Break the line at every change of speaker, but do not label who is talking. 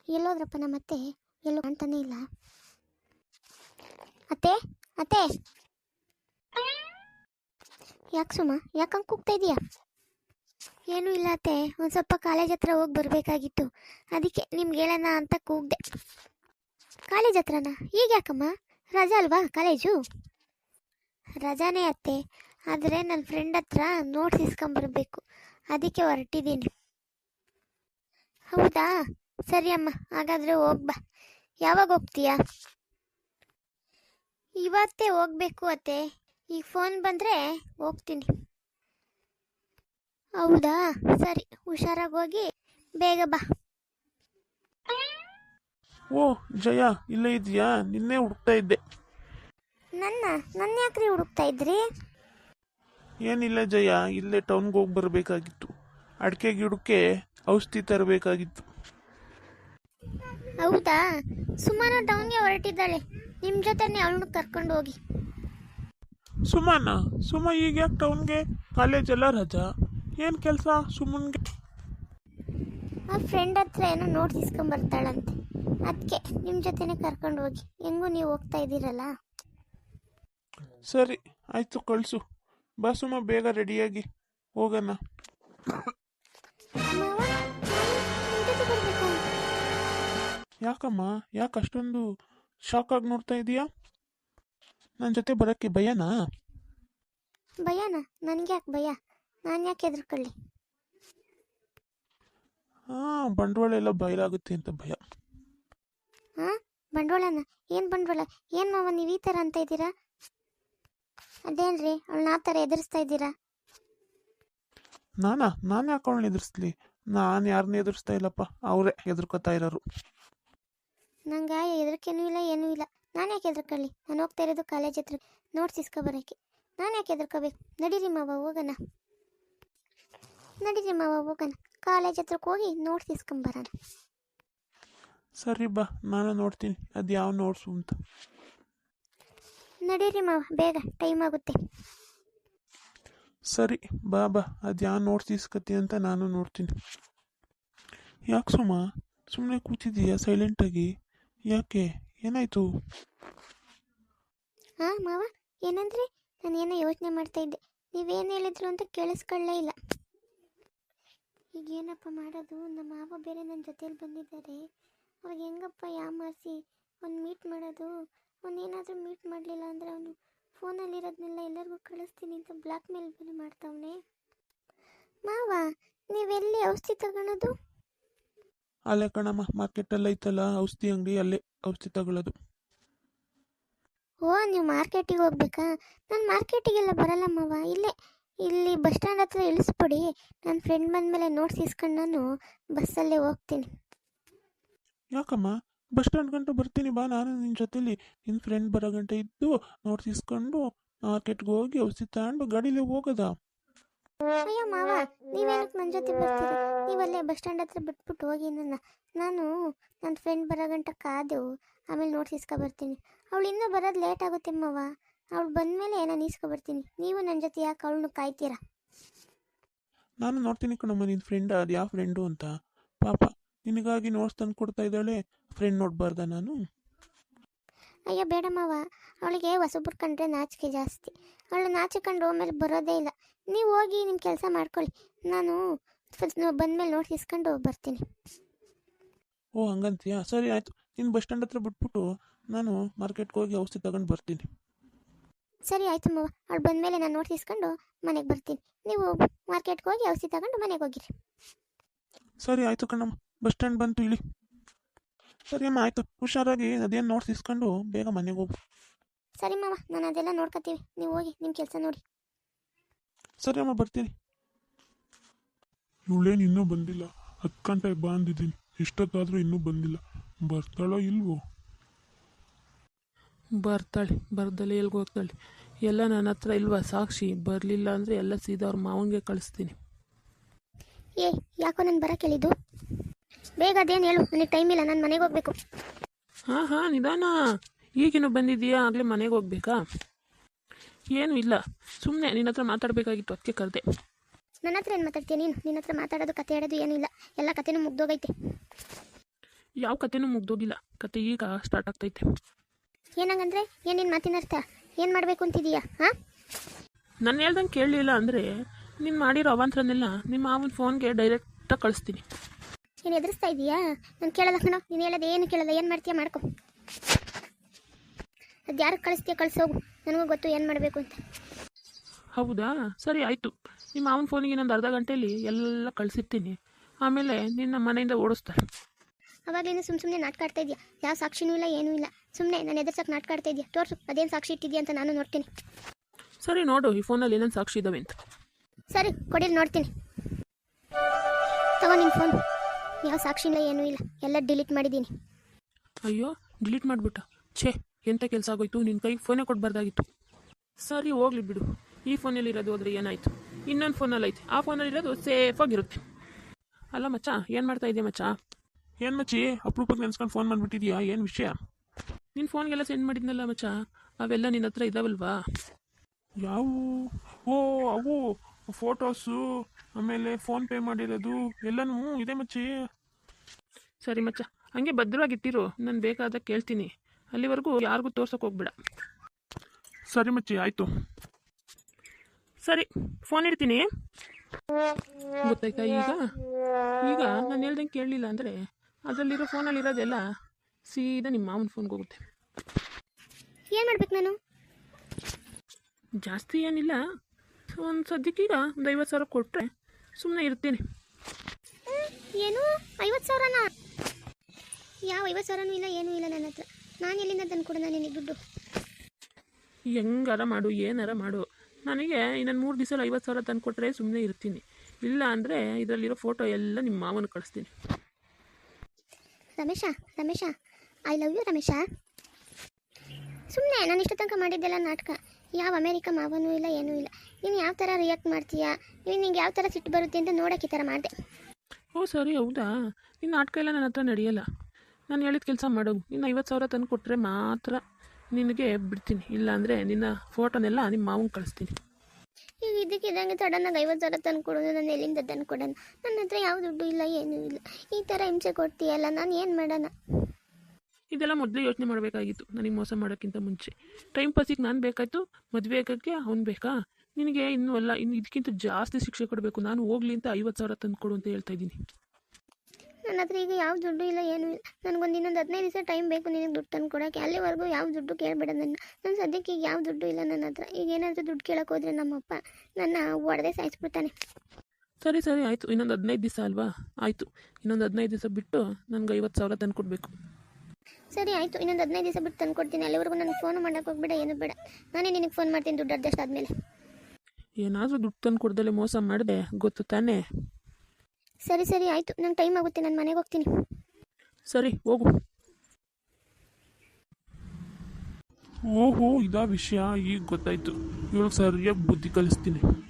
ಎಲ್ಲೋದ್ರಪ್ಪ ನಮ್ಮತ್ತೆ? ಎಲ್ಲೋ ಕಾಣ್ತಾನೆ ಇಲ್ಲ. ಅತ್ತೆ ಅತ್ತೆ, ಯಾಕೆ ಸುಮ್ಮ ಯಾಕಂಗೆ ಕೂಗ್ತಾ ಇದೀಯಾ? ಏನೂ ಇಲ್ಲ ಅತ್ತೆ, ಒಂದು ಸ್ವಲ್ಪ ಕಾಲೇಜ್ ಹತ್ರ ಹೋಗಿ ಬರಬೇಕಾಗಿತ್ತು, ಅದಕ್ಕೆ ನಿಮ್ಗೆ ಹೇಳೋಣ ಅಂತ ಕೂಗ್ದೆ. ಕಾಲೇಜ್ ಹತ್ರನಾ? ಈಗ ಯಾಕಮ್ಮ, ರಜಾ ಅಲ್ವಾ ಕಾಲೇಜು? ರಜಾನೇ ಅತ್ತೆ, ಆದರೆ ನನ್ನ ಫ್ರೆಂಡ್ ಹತ್ರ ನೋಟ್ಸ್ ಇಸ್ಕೊಂಬರ್ಬೇಕು, ಅದಕ್ಕೆ ಹೊರಟಿದ್ದೀನಿ. ಹೌದಾ, ಸರಿ ಅಮ್ಮ, ಹಾಗಾದರೆ ಹೋಗ್ಬಾ. ಯಾವಾಗ ಹೋಗ್ತೀಯಾ? ಇವತ್ತೇ ಹೋಗ್ಬೇಕು ಅತ್ತೆ, ಈಗ ಫೋನ್ ಬಂದರೆ ಹೋಗ್ತೀನಿ. ಹೌದಾ, ಸರಿ, ಹುಷಾರಾಗಿ ಹೋಗಿ ಬೇಗ ಬಾ.
ಓ ಜಯ, ಇಲ್ಲೇ ಇದೆಯಾ? ನಿನ್ನೆ ಹುಡುಕ್ತಾ ಇದ್ದೆ.
ನನ್ನ ಯಾಕ್ರಿ ಹುಡುಕ್ತಾ ಇದ್ರಿ?
ಏನಿಲ್ಲ ಜಯ, ಇಲ್ಲೇ ಟೌನ್ಗೆ ಹೋಗಿ ಬರಬೇಕಾಗಿತ್ತು. ಅಡಿಕೆ ಗಿಡಕ್ಕೆ ಔಷಧಿ ತರಬೇಕಾಗಿತ್ತು.
ಹೌದಾ, ಸುಮಾರು ಟೌನ್ಗೆ ಹೊರಟಿದ್ದಾಳೆ, ನಿಮ್ಮ ಜೊತೆನೇ ಅವಳನ್ನು ಕರ್ಕೊಂಡು ಹೋಗಿ.
ಸುಮ ಈಗ ಯಾಕೆ ಟೌನ್ಗೆ? ಕಾಲೇಜ್ ಎಲ್ಲ ರಜಾ, ಏನು ಕೆಲಸ ಸುಮ್ಮನ್ಗೆ?
ಆ ಫ್ರೆಂಡ್ ಹತ್ರ ಏನೋ ನೋಟ್ಸ್ ಇಸ್ಕೊಂಬರ್ತಾಳಂತೆ, ಅದಕ್ಕೆ ನಿಮ್ಮ ಜೊತೆನೇ ಕರ್ಕೊಂಡು ಹೋಗಿ. ಹೆಂಗೂ ನೀವು ಹೋಗ್ತಾ ಇದ್ದೀರಲ್ಲ.
ಸರಿ ಆಯಿತು, ಕಳಿಸು. ಬಾ ಸುಮ, ಬೇಗ ರೆಡಿಯಾಗಿ ಹೋಗೋಣ.
ಮಾವ, ನಿಮ್ ಜೊತೆ ಬರ್ಬೇಕಾ?
ಯಾಕಮ್ಮ, ಯಾಕೆ ಅಷ್ಟೊಂದು ಶಾಕ್ ಆಗಿ ನೋಡ್ತಾ ಇದೀಯಾ? ನನ್ನ ಜೊತೆ ಬರೋಕ್ಕೆ ಭಯನಾ?
ಭಯನಾ? ನನಗೆ ಯಾಕೆ ಭಯ? ನಾನು ಯಾಕೆ ಹೆದರ್ಕೊಳ್ಳಿ?
ಹಾಂ, ಬಂಡವಾಳ ಎಲ್ಲ ಬಯಲಾಗುತ್ತೆ ಅಂತ ಭಯ.
ಹಾಂ, ಬಂಡವಾಳನ? ಏನು ಬಂಡವಾಳ? ಏನು ಮಾವ ನೀವು ಈ ಥರ ಅಂತ ಇದ್ದೀರಾ? ಅದೇನ್ರಿ, ಅವಳನ್ನ ಆ ಥರ ಎದುರಿಸ್ತಾ ಇದ್ದೀರಾ?
ನಾನು ಯಾಕೆ ಅವಳನ್ನ ಎದುರಿಸ್ಲಿ? ನಾನು ಯಾರನ್ನ ಎದುರಿಸ್ತಾ ಇಲ್ಲಪ್ಪ, ಅವರೇ ಎದುರ್ಕೋತಾ ಇರೋರು.
ನಂಗೆ ಹೆದರಿಕೆನೂ ಇಲ್ಲ, ಏನೂ ಇಲ್ಲ. ನಾನು ಯಾಕೆ ಹೆದರ್ಕೊಳ್ಳಿ? ನಾನು ಹೋಗ್ತಾ ಇರೋದು ಕಾಲೇಜ್ ಹತ್ರ ನೋಟ್ಸ್ ಇಸ್ಕೊಬರೋಕ್ಕೆ. ನಾನು ಯಾಕೆ ಹೆದರ್ಕೋಬೇಕು? ನಡೀರಿ ಮಾವ ಹೋಗೋಣ. ನಡೀರಿ ಮಾವ ಹೋಗೋಣ, ಕಾಲೇಜ್ ಹತ್ರಕ್ಕೆ ಹೋಗಿ ನೋಟ್ಸ್ ಇಸ್ಕೊಂಬರೋಣ.
ಸರಿ ಬಾ, ನಾನು ನೋಡ್ತೀನಿ ಅದು ಯಾವ ನೋಟ್ಸು ಅಂತ.
ನಡೀರಿ ಮಾವ, ಬೇಗ, ಟೈಮ್ ಆಗುತ್ತೆ.
ಸರಿ ಬಾ, ಅದು ಯಾವ ನೋಟ್ಸ್ ಇಸ್ಕತ್ತಿ ಅಂತ ನಾನು ನೋಡ್ತೀನಿ. ಯಾಕೆ ಸುಮ್ಮನೆ ಕೂತಿದ್ದೀಯಾ ಸೈಲೆಂಟಾಗಿ? ಯಾಕೆ, ಏನಾಯಿತು?
ಹಾಂ ಮಾವ, ಏನಂದ್ರೆ ನಾನು ಏನೋ ಯೋಚನೆ ಮಾಡ್ತಾ ಇದ್ದೆ, ನೀವೇನು ಹೇಳಿದ್ರು ಅಂತ ಕೇಳಿಸ್ಕೊಳ್ಳೇ ಇಲ್ಲ. ಈಗ ಏನಪ್ಪ ಮಾಡೋದು? ನಮ್ಮ ಮಾವ ಬೇರೆ ನನ್ನ ಜೊತೇಲಿ ಬಂದಿದ್ದಾರೆ, ಅವ್ರಿಗೆ ಹೆಂಗಪ್ಪ ಯಾಮಾರಿಸಿ ಅವ್ನು ಮೀಟ್ ಮಾಡೋದು? ಅವನೇನಾದರೂ ಮೀಟ್ ಮಾಡಲಿಲ್ಲ ಅಂದರೆ ಅವನು ಫೋನಲ್ಲಿರೋದನ್ನೆಲ್ಲ ಎಲ್ಲರಿಗೂ ಕಳಿಸ್ತೀನಿ ಅಂತ ಬ್ಲ್ಯಾಕ್ ಮೇಲ್ ಬೇರೆ ಮಾಡ್ತಾವನೆ. ಮಾವ, ನೀವೆಲ್ಲಿ ಔಷಧಿ ತಗೊಳೋದು?
ಅಲ್ಲೇ ಕಣಮ್ಮ, ಮಾರ್ಕೆಟಲ್ಲಿ ಐತಲ್ಲ ಔಷಧಿ ಅಂಗಡಿ, ಅಲ್ಲೇ ಔಷಧಿ ತಗೊಳ್ಳೋದು.
ಓ, ನೀವು ಮಾರ್ಕೆಟಿಗೆ ಹೋಗ್ಬೇಕಾ? ನಾನು ಮಾರ್ಕೆಟಿಗೆಲ್ಲ ಬರಲ್ಲ ಮಾವ, ಇಲ್ಲಿ ಬಸ್ ಸ್ಟ್ಯಾಂಡ್ ಹತ್ರ ಇಳಿಸ್ಬಿಡಿ. ನನ್ನ ಫ್ರೆಂಡ್ ಬಂದಮೇಲೆ ನೋಟ್ಸ್ ಇಸ್ಕೊಂಡು ನಾನು ಬಸ್ಸಲ್ಲೇ ಹೋಗ್ತೀನಿ.
ಯಾಕಮ್ಮ, ಬಸ್ ಸ್ಟ್ಯಾಂಡ್ ಗಂಟೆ ಬರ್ತೀನಿ ಬಾ, ನಾನು ನಿನ್ನ ಜೊತೆಲಿ ನಿನ್ನ ಫ್ರೆಂಡ್ ಬರೋ ಗಂಟೆ ಇದ್ದು ನೋಟ್ಸ್ ಇಸ್ಕೊಂಡು ಮಾರ್ಕೆಟ್ಗೆ ಹೋಗಿ ಔಷಧಿ ತಗೊಂಡು ಗಾಡೀಲಿ ಹೋಗೋದಾ?
ಅಯ್ಯೋ ಮಾವ, ನೀವೇನಕ್ಕೆ ನನ್ನ ಜೊತೆ ಬರ್ತೀರಾ? ನೀವಲ್ಲೇ ಬಸ್ ಸ್ಟ್ಯಾಂಡ್ ಹತ್ರ ಬಿಟ್ಬಿಟ್ಟು ಹೋಗಿ ನಾನು ನನ್ನ ಫ್ರೆಂಡ್ ಬರೋ ಗಂಟ ಕಾದೆವು, ಆಮೇಲೆ ನೋಟ್ಸ್ ಇಸ್ಕೊಬರ್ತೀನಿ. ಅವಳು ಇನ್ನೂ ಬರೋದು ಲೇಟ್ ಆಗುತ್ತೆ ಮಾವ, ಅವಳು ಬಂದಮೇಲೆ ನಾನು ಇಸ್ಕೊಬರ್ತೀನಿ. ನೀವು ನನ್ನ ಜೊತೆ ಯಾಕೆ ಅವಳನ್ನು ಕಾಯ್ತೀರಾ?
ನಾನು ನೋಡ್ತೀನಿ ಕಣಮ್ಮ ನಿನ್ನ ಫ್ರೆಂಡ್ ಅದು ಯಾವ ಫ್ರೆಂಡು ಅಂತ. ಪಾಪ ನಿನಗಾಗಿ ನೋಟ್ಸ್ ತಂದು ಕೊಡ್ತಾ ಇದ್ದಾಳೆ, ಫ್ರೆಂಡ್ ನೋಡಬಾರ್ದ ನಾನು?
ಅಯ್ಯೋ ಬೇಡ ಮಾವ, ಅವಳಿಗೆ ಹೊಸಬ್ರು ಕಂಡ್ರೆ ನಾಚಿಕೆ ಜಾಸ್ತಿ, ಅವಳು ನಾಚಿಕೊಂಡು ಆಮೇಲೆ ಬರೋದೇ ಇಲ್ಲ. ನೀವು ಹೋಗಿ ನಿಮ್ಮ ಕೆಲಸ ಮಾಡ್ಕೊಳ್ಳಿ, ನಾನು ಬಂದಮೇಲೆ ನೋಟ್ಸ್ ಇಸ್ಕೊಂಡು ಬರ್ತೀನಿ.
ಓ ಹಂಗಂತೀಯಾ? ಸರಿ ಆಯಿತು, ನೀನು ಬಸ್ ಸ್ಟ್ಯಾಂಡ್ ಹತ್ರ ಬಿಟ್ಬಿಟ್ಟು ನಾನು ಮಾರ್ಕೆಟ್ಗೆ ಹೋಗಿ ಔಷಧಿ ತಗೊಂಡು ಬರ್ತೀನಿ.
ಸರಿ ಆಯಿತು ಮಾವ, ಅವಳು ಬಂದಮೇಲೆ ನಾನು ನೋಟ್ಸ್ ಇಸ್ಕೊಂಡು ಮನೆಗೆ ಬರ್ತೀನಿ. ನೀವು ಮಾರ್ಕೆಟ್ಗೆ ಹೋಗಿ ಔಷಧಿ ತಗೊಂಡು ಮನೆಗೆ ಹೋಗಿರಿ.
ಸರಿ ಆಯಿತು ಕಣಮ್ಮ, ಬಸ್ ಸ್ಟ್ಯಾಂಡ್ ಬಂತು ಇಳಿ. ಸರಿ ಅಮ್ಮ, ಆಯಿತು, ಹುಷಾರಾಗಿ ಅದೇನು ನೋಟ್ಸ್ ಇಸ್ಕೊಂಡು ಬೇಗ ಮನೆಗೆ ಹೋಗು.
ಸರಿ ಮಾವ, ನಾನು ಅದೆಲ್ಲ ನೋಡ್ಕೊತೀವಿ, ನೀವು ಹೋಗಿ ನಿಮ್ಮ ಕೆಲಸ ನೋಡಿ.
ಸರಿ ಅಮ್ಮ, ಬರ್ತೀನಿ.
ಇವಳೇನು ಇನ್ನೂ ಬಂದಿಲ್ಲ? 10 ಗಂಟೆಗೆ ಬಾ ಅಂದಿದ್ದೀನಿ, ಎಷ್ಟೊತ್ತಾದರೂ ಇನ್ನೂ ಬಂದಿಲ್ಲ. ಬರ್ತಾಳೋ ಇಲ್ವೋ?
ಬರ್ತಾಳೆ, ಬರ್ದಲೆ ಎಲ್ಗೆ ಹೋಗ್ತಾಳೆ? ಎಲ್ಲ ನನ್ನ ಹತ್ರ ಇಲ್ವಾ ಸಾಕ್ಷಿ? ಬರಲಿಲ್ಲ ಅಂದರೆ ಎಲ್ಲ ಸೀದಾ ಅವ್ರ ಮಾವನಿಗೆ ಕಳಿಸ್ತೀನಿ.
ಯಾಕೋ ನಾನು ಬರೋಕೆ ಹೇಳಿದ್ದು? ಬೇಗ ಅದೇನು ಹೇಳು, ನನಗೆ ಟೈಮ್ ಇಲ್ಲ, ನಾನು ಮನೆಗೆ ಹೋಗ್ಬೇಕು.
ಹಾಂ ನಿಧಾನ, ಈಗಿನೂ ಬಂದಿದ್ದೀಯಾ? ಆಗಲೇ ಮನೆಗೆ ಹೋಗ್ಬೇಕಾ? ಏನೂ ಇಲ್ಲ, ಸುಮ್ಮನೆ ನಿನ್ನ ಹತ್ರ ಮಾತಾಡಬೇಕಾಗಿತ್ತು, ಅದಕ್ಕೆ ಕರೆದೆ.
ನನ್ನ ಹತ್ರ ಏನು ಮಾತಾಡ್ತೀಯ ನೀನು? ನಿನ್ನ ಹತ್ರ ಮಾತಾಡೋದು ಕತೆ ಹೇಳೋದು ಏನೂ ಇಲ್ಲ, ಎಲ್ಲ ಕತೆನೂ ಮುಗ್ದೋಗೈತೆ.
ಯಾವ ಕತೆನೂ ಮುಗ್ದೋಗಿಲ್ಲ, ಕತೆ ಈಗ ಸ್ಟಾರ್ಟ್ ಆಗ್ತೈತೆ.
ಏನಂಗಂದ್ರೆ ಏನು ನಿನ್ನ ಮಾತಿನ ಅರ್ಥ? ಏನು ಮಾಡಬೇಕು ಅಂತಿದೀಯಾ ಹಾಂ?
ನಾನು ಹೇಳ್ದಂಗೆ ಕೇಳಲಿಲ್ಲ ಅಂದರೆ ನೀನು ಮಾಡಿರೋ ಅವಾಂತರನ್ನೆಲ್ಲ ನಿಮ್ಮ ಮಾವನ ಫೋನ್ಗೆ ಡೈರೆಕ್ಟಾಗಿ ಕಳಿಸ್ತೀನಿ.
ನೀನು ಎದುರಿಸ್ತಾ ಇದೀಯಾ? ನಾನು ಕೇಳಲ್ಲ ಕಣೋ, ನೀನು ಹೇಳೋದು ಏನು ಕೇಳಲ್ಲ, ಏನು ಮಾಡ್ತೀಯ ಮಾಡ್ಕೊ. ಅದು ಯಾರಿಗೆ ಕಳಿಸ್ತೀಯ ಕಳಿಸೋಗು, ನನಗೂ ಗೊತ್ತು ಏನು ಮಾಡಬೇಕು ಅಂತ.
ಹೌದಾ, ಸರಿ ಆಯಿತು. ನಿಮ್ಮ ಮಾವನ ಫೋನಿಗೆ ಇನ್ನೊಂದು ಅರ್ಧ ಗಂಟೆಯಲ್ಲಿ ಎಲ್ಲ ಕಳಿಸಿರ್ತೀನಿ. ಆಮೇಲೆ ನಿನ್ನ ಮನೆಯಿಂದ ಓಡಿಸ್ತಾರೆ.
ಅವಾಗಲಿಂದ ಸುಮ್ಮನೆ ನಾಟಕ ಆಡ್ತಾ ಇದೆಯಾ? ಯಾವ ಸಾಕ್ಷಿನೂ ಇಲ್ಲ, ಏನೂ ಇಲ್ಲ. ಸುಮ್ಮನೆ ನಾನು ಎದುರ್ಸಕ್ಕೆ ನಾಟಕ ಆಡ್ತಾ ಇದೆಯಾ? ತೋರಿಸು, ಅದೇನು ಸಾಕ್ಷಿ ಇಟ್ಟಿದ್ಯಾ ಅಂತ ನಾನು ನೋಡ್ತೀನಿ.
ಸರಿ ನೋಡು, ಈ ಫೋನಲ್ಲಿ ಏನೇನು ಸಾಕ್ಷಿ ಇದ್ದಾವೆ ಅಂತ.
ಸರಿ ಕೊಡಿಲಿ ನೋಡ್ತೀನಿ. ತಗೋ ನಿನ್ನ ಫೋನ್. ಯಾವ ಸಾಕ್ಷಿ ಇಲ್ಲ, ಏನೂ ಇಲ್ಲ, ಎಲ್ಲ ಡಿಲೀಟ್ ಮಾಡಿದ್ದೀನಿ.
ಅಯ್ಯೋ, ಡಿಲೀಟ್ ಮಾಡಿಬಿಟ್ಟ. ಛೇ, ಎಂಥ ಕೆಲಸ ಆಗೋಯ್ತು, ನಿನ್ನ ಕೈಗೆ ಫೋನೇ ಕೊಡಬಾರ್ದಾಗಿತ್ತು. ಸರಿ ಹೋಗ್ಲಿ ಬಿಡು, ಈ ಫೋನಲ್ಲಿ ಇರೋದು ಹೋದ್ರೆ ಏನಾಯಿತು, ಇನ್ನೊಂದು ಫೋನಲ್ಲಿ ಐತೆ, ಆ ಫೋನಲ್ಲಿ ಇರೋದು ಸೇಫಾಗಿರುತ್ತೆ. ಅಲ್ಲ ಮಚ್ಚ, ಏನು ಮಾಡ್ತಾ ಇದೆಯಾ ಮಚ್ಚ?
ಏನು ಮಚ್ಚಿ ಅಪರೂಪಕ್ಕೆ ನೆನ್ಸ್ಕೊಂಡು ಫೋನ್ ಮಾಡಿಬಿಟ್ಟಿದ್ಯಾ? ಏನು ವಿಷಯ?
ನಿನ್ನ ಫೋನ್ಗೆಲ್ಲ ಸೆಂಡ್ ಮಾಡಿದ್ನಲ್ಲ ಮಚ್ಚ, ಅವೆಲ್ಲ ನಿನ್ನ ಹತ್ರ ಇದ್ದಾವಲ್ವಾ?
ಯಾವ? ಓ ಅವು ಫೋಟೋಸು, ಆಮೇಲೆ ಫೋನ್ ಪೇ ಮಾಡಿರೋದು ಎಲ್ಲನೂ ಇದೆ ಮಚ್ಚಿ.
ಸರಿ ಮಚ್ಚ, ಹಂಗೆ ಭದ್ರವಾಗಿಟ್ಟಿರು, ನಾನು ಬೇಕಾದಾಗ ಕೇಳ್ತೀನಿ. ಅಲ್ಲಿವರೆಗೂ ಯಾರಿಗೂ ತೋರ್ಸೋಕೆ ಹೋಗ್ಬೇಡ.
ಸರಿ ಮಚ್ಚಿ, ಆಯಿತು.
ಸರಿ, ಫೋನ್ ಇಡ್ತೀನಿ. ಗೊತ್ತಾಯ್ತಾ? ಈಗ ನಾನು ಹೇಳ್ದಂಗೆ ಕೇಳಲಿಲ್ಲ ಅಂದರೆ ಅದರಲ್ಲಿರೋ ಫೋನಲ್ಲಿರೋದೆಲ್ಲ ಸೀದಾ ನಿಮ್ಮ ಮಾವನ ಫೋನ್ಗೆ ಹೋಗುತ್ತೆ.
ಏನು ಮಾಡ್ಬೇಕು ನಾನು?
ಜಾಸ್ತಿ ಏನಿಲ್ಲ, ಒಂದು ಸದ್ಯಕ್ಕೀಗ ಒಂದು 50,000 ಕೊಟ್ಟರೆ ಸುಮ್ಮನೆ ಇರ್ತೀನಿ.
ಏನು 50,000ನಾ? ಯಾವ 50,000ನೂ ಇಲ್ಲ, ಏನೂ ಇಲ್ಲ ನನ್ನ ಹತ್ರ. ನಾನು ಎಲ್ಲಿಂದ ತಂದು ಕೊಡೋಣ ನಿನಗೆ ದುಡ್ಡು?
ಹೆಂಗಾರ ಮಾಡು, ಏನಾರ ಮಾಡು, ನನಗೆ ಇನ್ನೊಂದು 3 ದಿವಸ 50,000 ತಂದು ಕೊಟ್ಟರೆ ಸುಮ್ಮನೆ ಇರ್ತೀನಿ. ಇಲ್ಲ ಅಂದರೆ ಇದರಲ್ಲಿರೋ ಫೋಟೋ ಎಲ್ಲ ನಿಮ್ಮ ಮಾವನ ಕಳಿಸ್ತೀನಿ.
Ramesh I love you Ramesh. ಸುಮ್ಮನೆ ನಾನು ಇಷ್ಟು ತನಕ ಮಾಡಿದ್ದೆಲ್ಲ ನಾಟಕ. ಯಾವ ಅಮೇರಿಕ ಮಾವನೂ ಇಲ್ಲ, ಏನೂ ಇಲ್ಲ. ನೀನು ಯಾವ ಥರ ರಿಯಾಕ್ಟ್ ಮಾಡ್ತೀಯಾ, ನಿಂಗೆ ಯಾವ ಥರ ಸಿಟ್ಟು ಬರುತ್ತೆ ಅಂತ ನೋಡೋಕ್ಕೆ ಈ ಥರ ಮಾಡಿದೆ.
ಓ ಸರಿ, ಹೌದಾ? ನಿನ್ನ ನಾಟಕ ಎಲ್ಲ ನನ್ನ ಹತ್ರ ನಡೆಯಲ್ಲ. ನಾನು ಹೇಳಿದ ಕೆಲಸ ಮಾಡೋದು, ಇನ್ನು 50,000 ತಂದು ಕೊಟ್ಟರೆ ಮಾತ್ರ ನಿನಗೆ ಬಿಡ್ತೀನಿ. ಇಲ್ಲಾಂದರೆ ನಿನ್ನ ಫೋಟೋನೆಲ್ಲ ನಿಮ್ಮ ಮಾವನ ಕಳಿಸ್ತೀನಿ.
ಈಗ ಇದಕ್ಕಿದ್ದಂಗೆ ಸಡನ್ನಾಗಿ 50,000 ತಂದು ಕೊಡೋದು, ನಾನು ಎಲ್ಲಿಂದ ತಂದು ಕೊಡೋಣ? ನನ್ನ ಹತ್ರ ಯಾವ ದುಡ್ಡು ಇಲ್ಲ, ಏನೂ ಇಲ್ಲ. ಈ ಥರ ಹಿಂಸೆ ಕೊಡ್ತೀಯಲ್ಲ, ನಾನು ಏನು ಮಾಡೋಣ?
ಇದೆಲ್ಲ ಮೊದಲೇ ಯೋಚನೆ ಮಾಡಬೇಕಾಗಿತ್ತು, ನನಗೆ ಮೋಸ ಮಾಡೋಕ್ಕಿಂತ ಮುಂಚೆ. ಟೈಮ್ ಪಾಸಿಗೆ ನಾನು ಬೇಕಾಯಿತು, ಮದುವೆ ಆಗೋಕ್ಕೆ ಅವ್ನು ಬೇಕಾ? ನಿನಗೆ ಇನ್ನೂ ಅಲ್ಲ, ಇನ್ನು ಇದಕ್ಕಿಂತ ಜಾಸ್ತಿ ಶಿಕ್ಷೆ ಕೊಡಬೇಕು. ನಾನು ಹೋಗ್ಲಿ ಅಂತ 50,000 ತಂದು ಕೊಡು ಅಂತ ಹೇಳ್ತಾ ಇದ್ದೀನಿ.
ನನ್ನ ಹತ್ರ ಈಗ ಯಾವ ದುಡ್ಡು ಇಲ್ಲ, ಏನೂ ಇಲ್ಲ. ನನಗೊಂದು ಇನ್ನೊಂದು 15 ದಿವಸ ಟೈಮ್ ಬೇಕು ನಿನಗೆ ದುಡ್ಡು ತಂದು ಕೊಡೋಕ್ಕೆ. ಅಲ್ಲಿವರೆಗೂ ಯಾವ ದುಡ್ಡು ಕೇಳಬೇಡ ನಾನು ಸದ್ಯಕ್ಕೆ ಈಗ ಯಾವ ದುಡ್ಡು ಇಲ್ಲ ನನ್ನ ಹತ್ರ. ಈಗ ಏನಾದರೂ ದುಡ್ಡು ಕೇಳೋಕೆ ಹೋದರೆ ನಮ್ಮಪ್ಪ ನನ್ನ ಹೊಡೆದೇ ಸಾಯಿಸ್ಬಿಡ್ತಾನೆ.
ಸರಿ ಆಯಿತು, ಇನ್ನೊಂದು 15 ದಿವಸ ಅಲ್ವಾ? ಆಯಿತು, ಇನ್ನೊಂದು 15 ದಿವಸ ಬಿಟ್ಟು ನನಗೆ 50,000 ತಂದು ಕೊಡಬೇಕು.
ಸರಿ ಆಯಿತು, ಇನ್ನೊಂದು 15 ದಿವಸ ಬಿಟ್ಟು ತಂದು ಕೊಡ್ತೀನಿ. ಅಲ್ಲಿವರೆಗೂ ನನಗೆ ಫೋನು ಮಾಡೋಕೆ ಹೋಗ್ಬೇಡ, ಏನು ಬೇಡ. ನಾನೇ ನಿನಗೆ ಫೋನ್ ಮಾಡ್ತೀನಿ ದುಡ್ಡು ಅಡ್ಜಸ್ಟ್ ಆದಮೇಲೆ.
ಏನಾದರೂ ದುಡ್ಡು ತಂದು ಕೊಡ್ದಲ್ಲೇ ಮೋಸ ಮಾಡಿದೆ, ಗೊತ್ತು ತಾನೇ?
ಸರಿ ಆಯಿತು, ನಂಗೆ ಟೈಮ್ ಆಗುತ್ತೆ, ನಾನು ಮನೆಗೆ ಹೋಗ್ತೀನಿ.
ಸರಿ ಹೋಗು.
ಓಹೋ ಇದಾ ವಿಷಯ, ಈಗ ಗೊತ್ತಾಯ್ತು. ಇವಳಿಗೆ ಸರಿಯಾಗಿ ಬುದ್ಧಿ ಕಲಿಸ್ತೀನಿ.